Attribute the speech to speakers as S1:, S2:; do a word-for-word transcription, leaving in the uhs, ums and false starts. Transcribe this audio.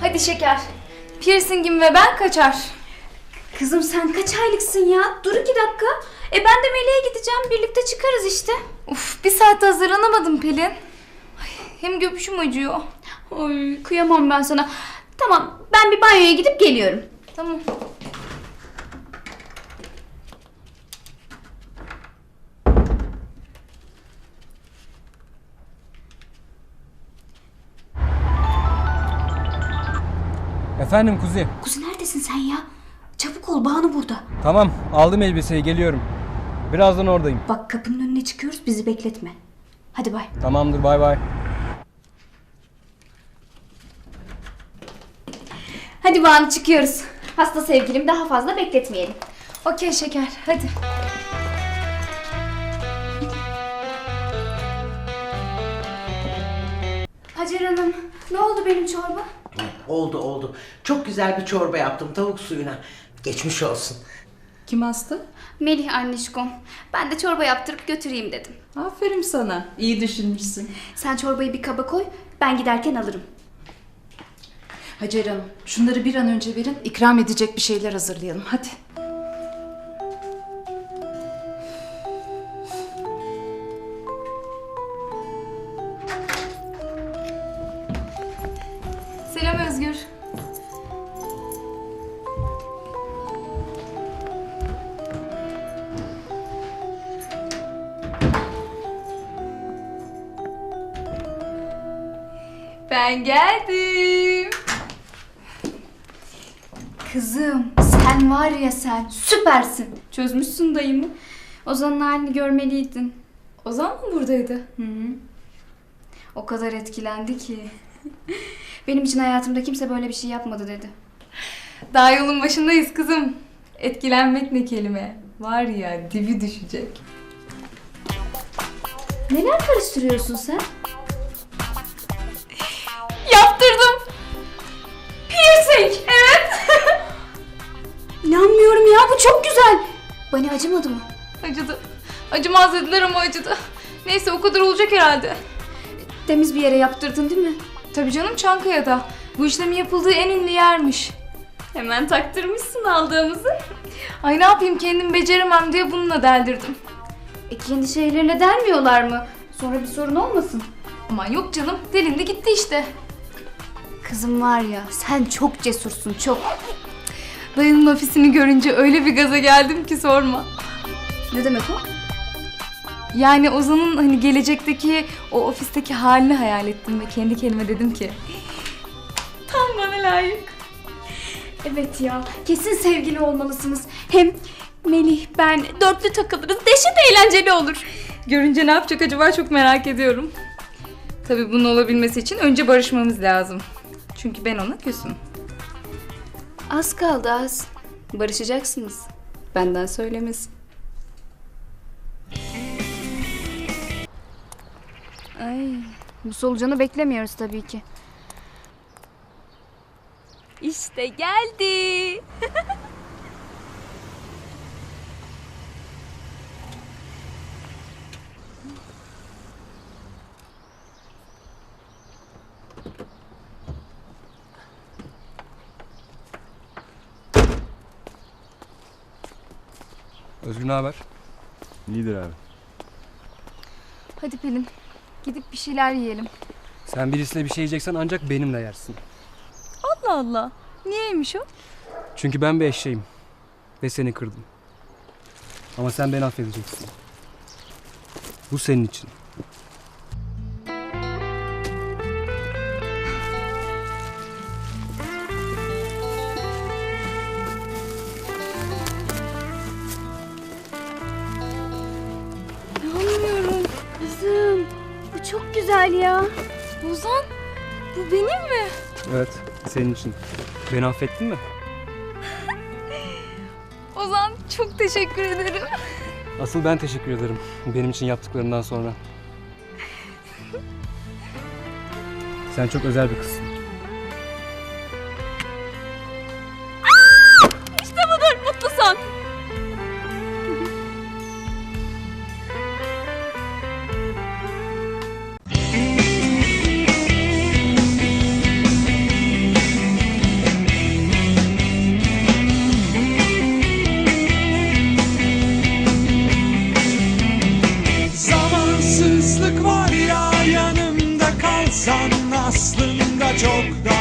S1: Hadi şeker. Piercing'im ve ben kaçar.
S2: Kızım sen kaç aylıksın ya? Dur iki dakika. E ben de Melih'e gideceğim. Birlikte çıkarız işte.
S1: Uf, bir saatte hazırlanamadım Pelin. Ay, hem göbüşüm acıyor.
S2: Ay kıyamam ben sana. Tamam ben bir banyoya gidip geliyorum.
S1: Tamam.
S3: Efendim Kuzi.
S2: Kuzu neredesin sen ya? Çabuk ol, Banu burada.
S3: Tamam, aldım elbiseyi, geliyorum. Birazdan oradayım.
S2: Bak kapının önüne çıkıyoruz, bizi bekletme. Hadi bay.
S3: Tamamdır, bay bay.
S2: Hadi Banu çıkıyoruz. Hasta sevgilim daha fazla bekletmeyelim.
S1: Okey şeker, hadi.
S2: Hacer Hanım, ne oldu benim çorba?
S4: Oldu oldu. Çok güzel bir çorba yaptım tavuk suyuna. Geçmiş olsun.
S5: Kim hasta?
S2: Melih annişkom. Ben de çorba yaptırıp götüreyim dedim.
S5: Aferin sana. İyi düşünmüşsün.
S2: Sen çorbayı bir kaba koy, ben giderken alırım.
S5: Hacer Hanım, şunları bir an önce verin. İkram edecek bir şeyler hazırlayalım. Hadi.
S1: Selam Özgür. Ben geldim.
S2: Kızım, sen var ya sen, süpersin. Çözmüşsün dayımı. Ozan'ın halini görmeliydin.
S1: Ozan mı buradaydı?
S2: Hı hı. O kadar etkilendi ki. Benim için hayatımda kimse böyle bir şey yapmadı dedi.
S1: Daha yolun başındayız kızım. Etkilenmek ne kelime. Var ya dibi düşecek.
S2: Neler karıştırıyorsun sen?
S1: Yaptırdım. Piercing. Evet.
S2: İnanmıyorum ya, bu çok güzel. Bana acımadı mı?
S1: Acıdı. Acımaz dediler ama acıdı. Neyse o kadar olacak herhalde.
S2: Temiz bir yere yaptırdın değil mi?
S1: Tabii canım, Çankaya'da. Bu işlemin yapıldığı en ünlü yermiş.
S2: Hemen taktırmışsın aldığımızı.
S1: Ay ne yapayım, kendim beceremem diye bununla deldirdim.
S2: E kendi şeylerine dermiyorlar mı? Sonra bir sorun olmasın.
S1: Aman yok canım, delindi gitti işte.
S2: Kızım var ya, sen çok cesursun, çok.
S1: Dayının ofisini görünce öyle bir gaza geldim ki sorma.
S2: Ne demek o?
S1: Yani Ozan'ın hani gelecekteki o ofisteki halini hayal ettim ve kendi kendime dedim ki tam bana layık.
S2: Evet ya, kesin sevgili olmalısınız. Hem Melih, ben dörtlü takılırız, dehşet eğlenceli olur.
S1: Görünce ne yapacak acaba çok merak ediyorum. Tabii bunun olabilmesi için önce barışmamız lazım. Çünkü ben ona küsüm.
S2: Az kaldı az. Barışacaksınız. Benden söylemesi. Ay, bu solucanı beklemiyoruz tabii ki. İşte geldi.
S3: Özgür ne haber?
S6: İyidir abi.
S1: Hadi Pelin, gidip bir şeyler yiyelim.
S3: Sen birisiyle bir şey yiyeceksen ancak benimle yersin.
S1: Allah Allah, niyeymiş o?
S3: Çünkü ben bir eşeğim. Ve seni kırdım. Ama sen beni affedeceksin. Bu senin için.
S1: İnanmıyorum.
S2: Kızım, bu çok güzel ya.
S1: Ozan, bu benim mi?
S3: Evet, senin için. Beni affettin mi?
S1: Ozan, çok teşekkür ederim.
S3: Asıl ben teşekkür ederim. Benim için yaptıklarından sonra. Sen çok özel bir kızsın.
S2: İşte budur, mutlu son.
S6: aslında çok daha